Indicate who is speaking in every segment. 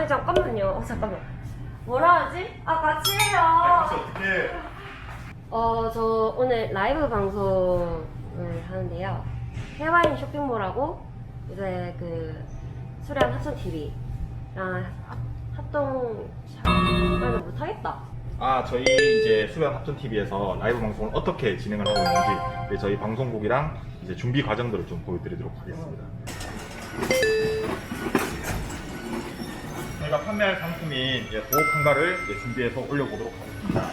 Speaker 1: 잠깐만요. 잠깐만. 뭐라 하지? 같이 해요.
Speaker 2: 어떻게?
Speaker 1: 저 오늘 라이브 방송을 하는데요. 해와인 쇼핑몰하고 이제 그 수련 합천 TV랑 합동 잘 못하겠다.
Speaker 2: 저희 이제 수련 합천 TV에서 라이브 방송을 어떻게 진행을 하고 있는지 저희 방송국이랑 이제 준비 과정들을 좀 보여드리도록 하겠습니다. 저희가 판매할 상품인 보호 칸가를 준비해서 올려보도록 하겠습니다.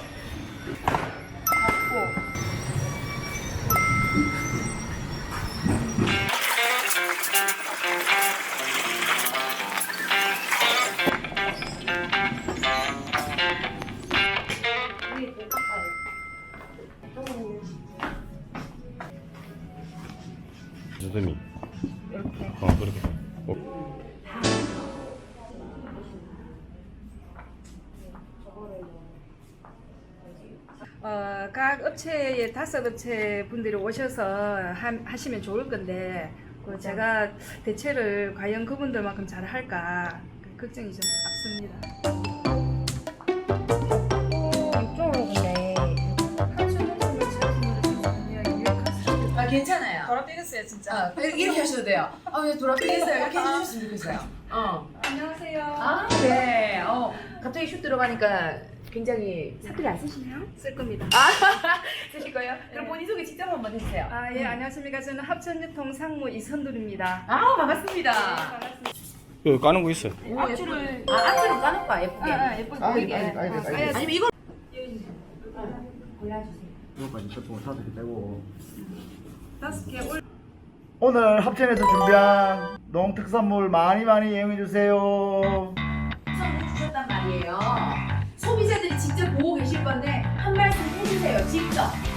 Speaker 2: 선생님
Speaker 1: 이렇게.
Speaker 2: 그렇게.
Speaker 3: 각 업체에 5업체 분들이 오셔서 하시면 좋을 건데 제가 대체를 과연 그분들만큼 잘 할까 걱정이 좀 앞섭니다.
Speaker 1: 이쪽으로 근데
Speaker 4: 괜찮아요.
Speaker 3: 돌아뛰겠어요 진짜.
Speaker 4: 이렇게 하셔도 돼요. 왜 돌아뛰겠어요? 이렇게 해주셨으면 좋겠어요.
Speaker 3: 안녕하세요.
Speaker 4: 네. 갑자기 슛 들어가니까 굉장히 사투리 안 쓰시나요?
Speaker 3: 쓸 겁니다.
Speaker 4: 쓰실 거예요? 그럼 본인 소개 직접 한번 해주세요.
Speaker 3: 예, 안녕하십니까. 저는 합천유통 상무 이선돌입니다.
Speaker 4: 반갑습니다.
Speaker 3: 반갑습니다.
Speaker 5: 그 까는 거 있어요.
Speaker 4: 앞줄을 앞줄을 까는 거야 예쁘게.
Speaker 3: 예쁘게
Speaker 4: 보이게. 아니면 이거
Speaker 6: 이거까지 쇼핑을 사도 되고
Speaker 3: 5개 올.
Speaker 6: 오늘 합천에서 준비한 농특산물 많이 이용해주세요.
Speaker 4: 선물 주셨단 말이에요. 소비자들이 직접 보고 계실 건데 한 말씀 해주세요. 직접.